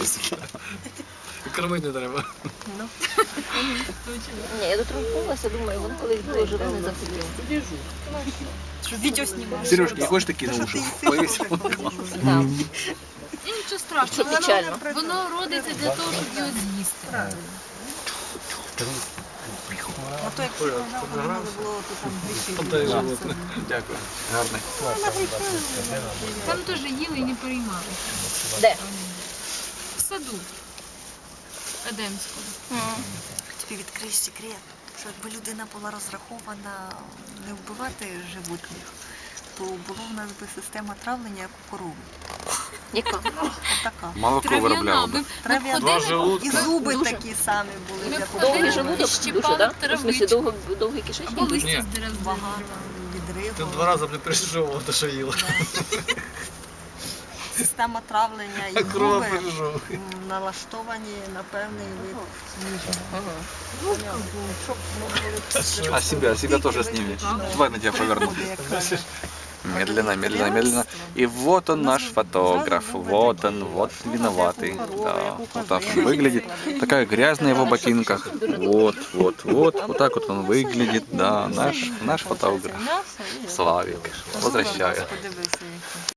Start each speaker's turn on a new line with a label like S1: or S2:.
S1: просто. Кормити не треба.
S2: Ну. Ні, я доторкнулася, думаю, вони колись було живе, не захотіли.
S3: Що відео знімаєш?
S1: Сережка, не хочеш такі на уші? Повісив.
S2: Да.
S4: І нічого страшного,
S2: Це печально.
S4: воно родиться для того, щоб його з'їсти.
S3: А то як пожав, не було, то там
S1: Та й
S3: гріші.
S1: животне. Дякую. Гарний.
S4: Там теж їли і не переймалися.
S2: Де?
S4: В саду Едемського.
S3: Тобі відкрию секрет, що якби людина була розрахована не вбивати животних, то була в нас би система травлення, як у корови.
S2: Яка?
S3: Така.
S1: Молоко
S4: Трав'яна.
S1: виробляла.
S4: Ми
S3: Трав'яна.
S1: Два
S4: ходили,
S1: желудка.
S3: І зуби
S2: Дуже.
S3: такі самі були.
S4: Ми
S3: як у
S4: ходили,
S2: Довгий
S3: корови.
S2: желудок,
S4: щипали
S2: душа, так? В смислі,
S4: травичку.
S2: довгий кишечник?
S4: або листя
S1: Ні.
S4: з дерев
S3: Багато
S4: зривали.
S1: Ти
S3: відриву.
S1: 2 рази, блін, пережовував, то що їла.
S3: Система травлення і
S1: Крова
S3: зуби
S1: пережовує.
S3: налаштовані на певний вид їжі.
S2: Ага.
S3: Щоб ми були
S1: А себя тоже сними. Давай на тебя поверну. Медленно, медленно, медленно. И вот он наш фотограф. Вот он, вот виноватый. Да, вот так он выглядит. Такая грязь на его ботинках. Вот, вот, вот. Вот так вот он выглядит. Да, наш фотограф. Славик. Возвращаю.
S3: Подивися, які.